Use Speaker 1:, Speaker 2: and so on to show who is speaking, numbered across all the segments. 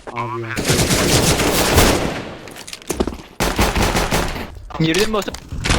Speaker 1: Abi ya.
Speaker 2: Girdin mi botu?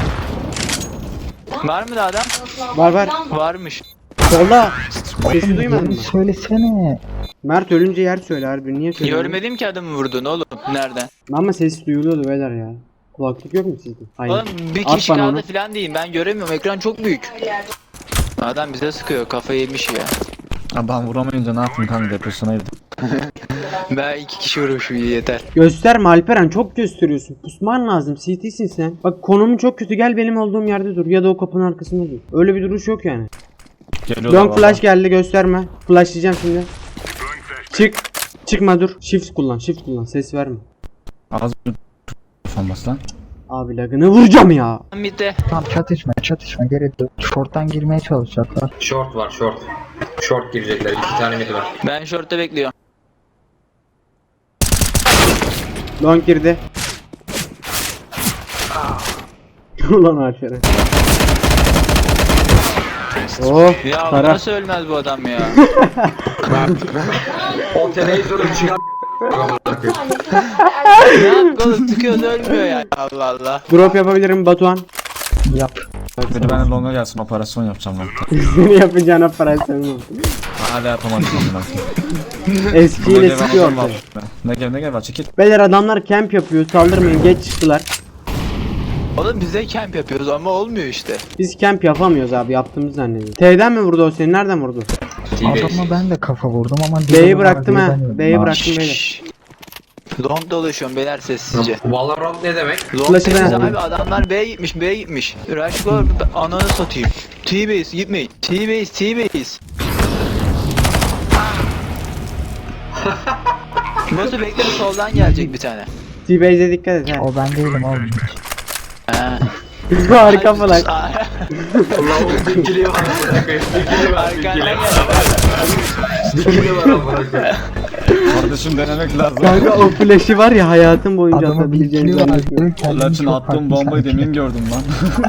Speaker 2: Var mı da adam?
Speaker 1: Var.
Speaker 2: Varmış.
Speaker 1: Solda. Sesi duymadın mı?
Speaker 3: Söylesene.
Speaker 1: Mert ölünce yer söyle harbi. Niye söylüyorsun?
Speaker 2: Görmedim ki adamı vurdun oğlum. Nereden?
Speaker 1: Ama ses duyuluyordu beyler ya. Kulaklık yok mu sizde? Hayır.
Speaker 2: Oğlum bir
Speaker 1: At
Speaker 2: kişi
Speaker 1: bana
Speaker 2: kaldı
Speaker 1: onu.
Speaker 2: falan diyeyim. Ben göremiyorum. Ekran çok büyük. Adam bize sıkıyor. Kafayı yemiş ya.
Speaker 4: Abi ben vuramayınca ne yapayım kanka, depresyona girdim.
Speaker 2: Ben 2 kişi vurmuşum, yeter.
Speaker 1: Gösterme Alperen, çok gösteriyorsun. Pusman lazım. CT'sin sen. Bak konumun çok kötü, gel benim olduğum yerde dur. Ya da o kapının arkasında dur. Öyle bir duruş yok yani.
Speaker 4: Geliyorlar
Speaker 1: Long flash geldi, gösterme. Flashlayacağım şimdi. Çık. Çıkma dur. Shift kullan. Ses verme.
Speaker 4: Az bir olmaz lan.
Speaker 1: Abi lagını vuracağım ya.
Speaker 2: Mid'de.
Speaker 3: Tamam çatışma gerek yok. Short'tan girmeye çalışacaklar.
Speaker 5: Short var short. Short girecekler. 2 tane mid var.
Speaker 2: Ben short'ta bekliyorum.
Speaker 1: Long girdi. Ulan Alperen. Oh.
Speaker 2: Ya
Speaker 1: Para.
Speaker 2: nasıl ölmez bu adam ya?
Speaker 5: O televizyonu çıkar.
Speaker 2: Ne yap oğlum, sıkıyoruz ölmüyor ya. Allah Allah.
Speaker 1: Drop yapabilirim Batuhan.
Speaker 3: Yap.
Speaker 4: Biri bana longa gelsin, operasyon yapacağım lan.
Speaker 1: Seni yapacağına para sevmem.
Speaker 4: Hala yapamadım ben.
Speaker 1: Eskiyle sıkıyor.
Speaker 4: Ne gel var, çekil.
Speaker 1: Beyler adamlar camp yapıyor, saldırmayın, geç çıktılar.
Speaker 2: Oğlum biz de camp yapıyoruz ama olmuyor işte.
Speaker 1: Biz camp yapamıyoruz abi, yaptığımızı zannediyorum. T'den mi vurdu o seni, nereden vurdu?
Speaker 3: Adama ben de kafa vurdum ama
Speaker 1: B'yi bıraktım ha, B'yi bıraktım beyler.
Speaker 2: Şşş. Long dolaşıyorum beyler sessizce.
Speaker 5: Valorant ne demek?
Speaker 2: Long
Speaker 1: Flash'ı ben
Speaker 2: sessiz
Speaker 1: aldım.
Speaker 2: abi, adamlar B'ye gitmiş. Rush go, ananı satayım. T-base gitmeyin. T-base. Nasıl bekle, soldan gelecek bir tane.
Speaker 1: T-Base'e dikkat et ha.
Speaker 3: O ben değilim oğlum.
Speaker 2: Ha.
Speaker 1: Harika falan.
Speaker 5: Lavuk ikili var. İkili var.
Speaker 2: Arkandan
Speaker 5: İkili
Speaker 2: gel.
Speaker 5: İkili var amına koyayım.
Speaker 4: Kardeşim denemek lazım.
Speaker 1: Kanka o flash'i var ya, hayatım boyunca
Speaker 3: Adamı
Speaker 1: atabileceğini
Speaker 3: bitiyor
Speaker 1: zannetmiyorum.
Speaker 3: abi.
Speaker 4: Laçın attığım bombayı demin gördüm lan.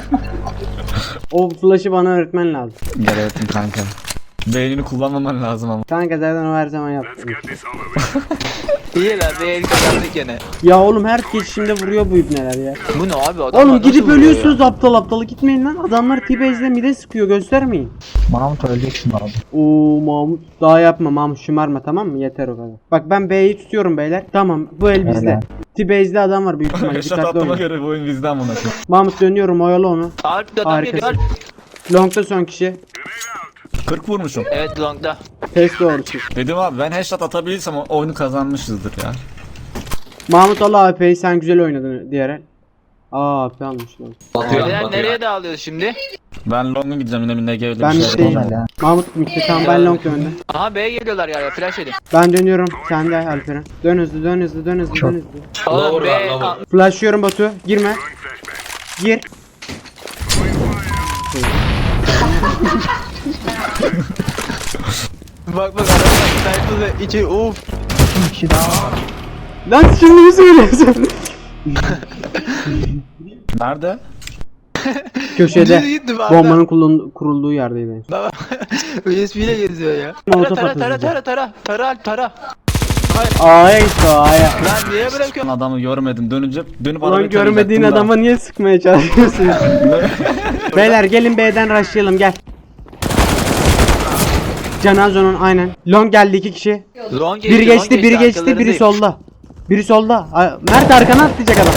Speaker 1: O flash'ı bana öğretmen lazım.
Speaker 4: Gel öğrettim kanka. Beynini kullanmaman lazım ama.
Speaker 1: Kanka zaten o her zaman yaptım.
Speaker 2: İyi lan, bir el kazandık gene.
Speaker 1: Ya oğlum her geçişimde vuruyor bu ibneler ya.
Speaker 2: Bu ne abi, adamlar
Speaker 1: Oğlum
Speaker 2: nasıl
Speaker 1: gidip
Speaker 2: vuruyor
Speaker 1: ölüyorsunuz aptal gitmeyin lan. Adamlar T-Base'le mide sıkıyor, göstermeyin.
Speaker 3: Mahmut öleceksin abi.
Speaker 1: Oo Mahmut, daha yapma Mahmut, şımarma tamam mı? Yeter o kadar. Bak ben B'yi tutuyorum beyler. Tamam bu el bizde.
Speaker 3: Helal.
Speaker 1: T-Base'de adam var büyük ihtimalle,
Speaker 4: Yaşat
Speaker 1: dikkatli
Speaker 4: attıma
Speaker 1: olun.
Speaker 4: göre bu oyun bizden buna koyayım.
Speaker 1: Mahmut dönüyorum, oyalı onu.
Speaker 2: ya? Alp de adam
Speaker 1: Harikasın.
Speaker 2: geliyor.
Speaker 1: Long'da son kişi.
Speaker 4: 40 vurmuşum.
Speaker 2: Evet longda.
Speaker 1: Test doğrusu.
Speaker 4: Dedim abi, ben headshot atabilirsem oyunu kazanmışızdır ya.
Speaker 1: Mahmut al AP'yi, sen güzel oynadın diğer el. Aa AP almış lan.
Speaker 5: Batıyor
Speaker 2: Beyler nereye
Speaker 5: batıyor.
Speaker 2: dağılıyoruz şimdi?
Speaker 4: Ben longa gideceğim, yine bir NG'yle
Speaker 1: Ben
Speaker 4: bir
Speaker 1: bir
Speaker 4: şey
Speaker 1: şey-
Speaker 4: yapacağım.
Speaker 3: Helal.
Speaker 1: Mahmut bitti tamam, ben long döndüm.
Speaker 2: Aha B'ye geliyorlar ya, flash edin.
Speaker 1: Ben dönüyorum, sen de Alperen. Dön hızlı.
Speaker 3: Çok-
Speaker 2: Oğlum
Speaker 5: Lower
Speaker 2: B...
Speaker 5: var, lower.
Speaker 1: Flashlıyorum Batu, girme. Gir.
Speaker 2: Bak adamlar sniper ve içeri of.
Speaker 3: Bir kişi daha var.
Speaker 1: Lan şimdi mi söylüyorsun?
Speaker 4: Nerede?
Speaker 1: Köşede.
Speaker 2: Düz gitti bari.
Speaker 1: Bombanın kurulduğu yerdeydi.
Speaker 2: Baba USB ile geziyor ya.
Speaker 1: Molotof
Speaker 2: Tara
Speaker 1: atılacak.
Speaker 2: tara.
Speaker 1: A'ya gitti o A'ya.
Speaker 2: Lan niye bırakıyorsun?
Speaker 4: Adamı görmedim, dönüp
Speaker 1: Ulan
Speaker 4: arabayı
Speaker 1: görmediğin
Speaker 4: tarayacaktım da.
Speaker 1: adama niye sıkmaya çalışıyorsun? Beyler gelin B'den rushlayalım, gel. Canazo'nun aynen. Long geldi 2 kişi.
Speaker 2: Long
Speaker 1: Biri geçti, biri
Speaker 2: arkalarındayım.
Speaker 1: solda. Biri solda. Mert arkana atlayacak adam.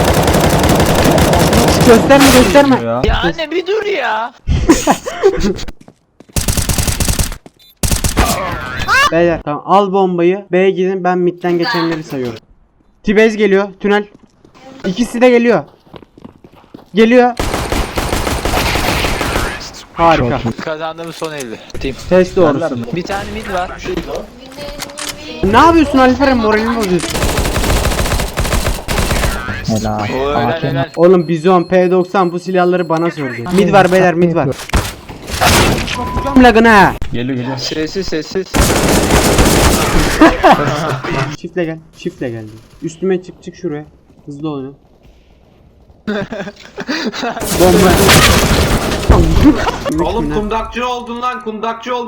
Speaker 1: Gösterme.
Speaker 4: Ya.
Speaker 2: Ya anne bir dur ya.
Speaker 1: Beyler tamam, al bombayı. B'ye gidin, ben midden geçenleri sayıyorum. T-Base geliyor, tünel. İkisi de geliyor. Harika.
Speaker 2: Kazandığımız son elde. Team.
Speaker 1: Test doğrusu.
Speaker 2: Bir tane mid var.
Speaker 1: Ne yapıyorsun Alperen, moralimi bozuyorsun.
Speaker 3: Helal.
Speaker 2: O
Speaker 3: AK
Speaker 2: helal.
Speaker 1: Oğlum Bizon P90 bu silahları bana sordu. Mid var beyler, mid var. Çok lagın ha.
Speaker 4: Geliyor.
Speaker 2: Sessiz.
Speaker 1: Çiftle gel. Üstüme çık şuraya. Hızlı oyna. Bomba.
Speaker 5: Oğlum kundakçı oldun lan kundakçı oldun.